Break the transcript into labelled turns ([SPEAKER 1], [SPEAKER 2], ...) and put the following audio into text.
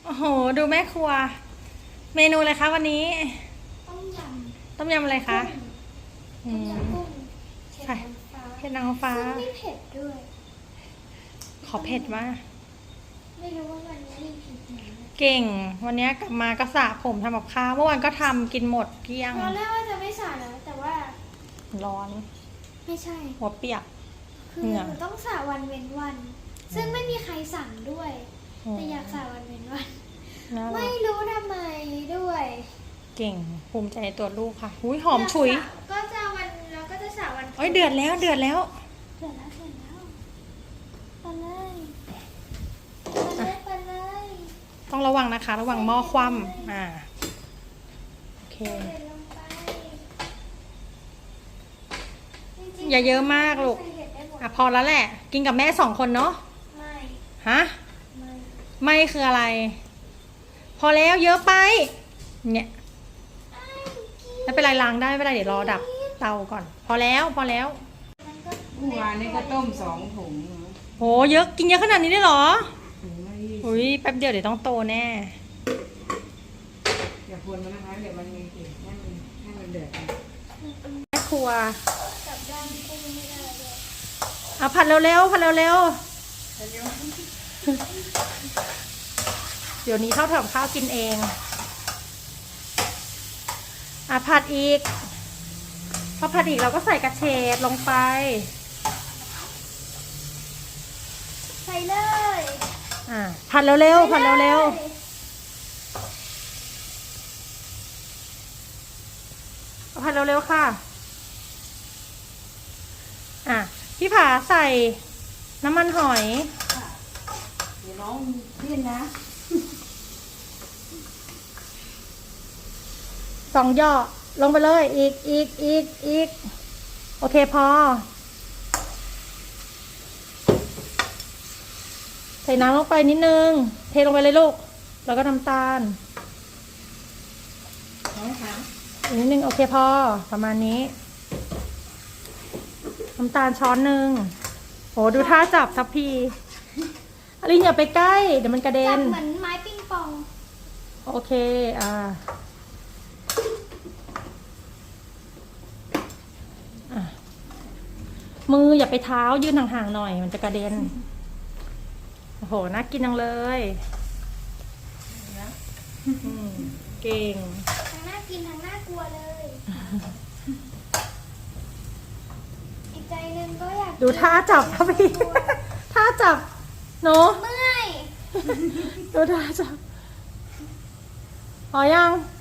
[SPEAKER 1] โอ้โหดูแม่ครัว เมนูอะไรคะวันนี้
[SPEAKER 2] ต้มย
[SPEAKER 1] ต้มยำอะไรคะ
[SPEAKER 2] ต้มยำกุ้ง
[SPEAKER 1] ใช่เผ็ดนางฟ้า
[SPEAKER 2] ซึ่งไม่เผ็ดด้วย
[SPEAKER 1] ขอเผ็ดมาก
[SPEAKER 2] ไม่รู้ว่าวันนี้มีผิดไหม
[SPEAKER 1] เก่งวันนี้กลับมาก็สระผมทำกับข้าวเมื่อวานก็ทำกินหมดเกลี้ยง
[SPEAKER 2] ตอนแรกว่าจะไม่สระนะแต่ว่า
[SPEAKER 1] ร้อน
[SPEAKER 2] ไม่ใช่
[SPEAKER 1] หัวเปียก
[SPEAKER 2] คือหนูต้องสระวันเว้นวัน ซึ่งไม่มีใครสั่งด้วย แต่อยากสระวันเว้นวัน ไม่รู้ทำไมด้วย
[SPEAKER 1] เก่งภูมิใจในตัวลูกค่ะหุยหอมฉุย
[SPEAKER 2] ก็จะวันเราก็จะสระวัน
[SPEAKER 1] โอ้ยเดือดแล้วเดือดแล้ว
[SPEAKER 2] ไปเลย
[SPEAKER 1] ต้องระวังนะคะระวังหม้อคว่ำโอเคอย่าเยอะมากลูกพอแล้วแหละกินกับแม่2 คนเนาะ
[SPEAKER 2] ไม่
[SPEAKER 1] ฮะไม่คืออะไร พอแล้วเยอะไปเนี่ยไม่เป็นไรล้างได้ไม่เป็นไรเดี๋ยวรอดับเตาก่อนพอแล้วเ
[SPEAKER 3] มื่อวานนี้ก็ต้ม2 ถุง
[SPEAKER 1] โหเยอะกินเยอะขนาดนี้ได้หรออุ้ยแป๊บเดียวเดี๋ยวต้องโตแน่
[SPEAKER 3] อย่าพวนมันนะคะเดี๋ยวมันมีกลิ่นให้มันเดือด
[SPEAKER 1] แม่ครัว
[SPEAKER 2] จับด้านกุ้งไม่ได้เลย
[SPEAKER 1] ผัดเร็วๆผัดเร็วๆเดี๋ยวนี้เท่าทำข้าวกินเองผัดอีกพอผัดอีกเราก็ใส่กระเฉดลงไป
[SPEAKER 2] ใส่เลย
[SPEAKER 1] ผัดเร็วๆผัดเร็วๆผัดเร็วๆค่ะพี่ผาใส่น้ำมันหอย
[SPEAKER 3] เดี๋ยวน้องเลี่ยนนะ
[SPEAKER 1] 2 ย่อลงไปเลยอีกโอเคพอใส่น้ำลงไปนิดนึงเทลงไปเลยลูกแล้วก็น้ำตาลอีกนิดนึงโอเคพอประมาณนี้น้ำตาลช้อนหนึ่งโหดูท่าจับทัพพีอลินอย่าไปใกล้เดี๋ยวมันกระเด็น
[SPEAKER 2] จับเหมือนไม้ปิงปอง
[SPEAKER 1] โอเคมืออย่าไปเท้ายื่นห่างๆหน่อยมันจะกระเด็นโอ้โหน่ากินจังเลยเก่ง
[SPEAKER 2] ทั้งน่ากินทั้งน่ากลัวเลยอีกใจนึงก็อยาก
[SPEAKER 1] ดูท่าจับครับพี่ท่าจับเนาะ
[SPEAKER 2] เมื่อย
[SPEAKER 1] ดูท่าจับพอยัง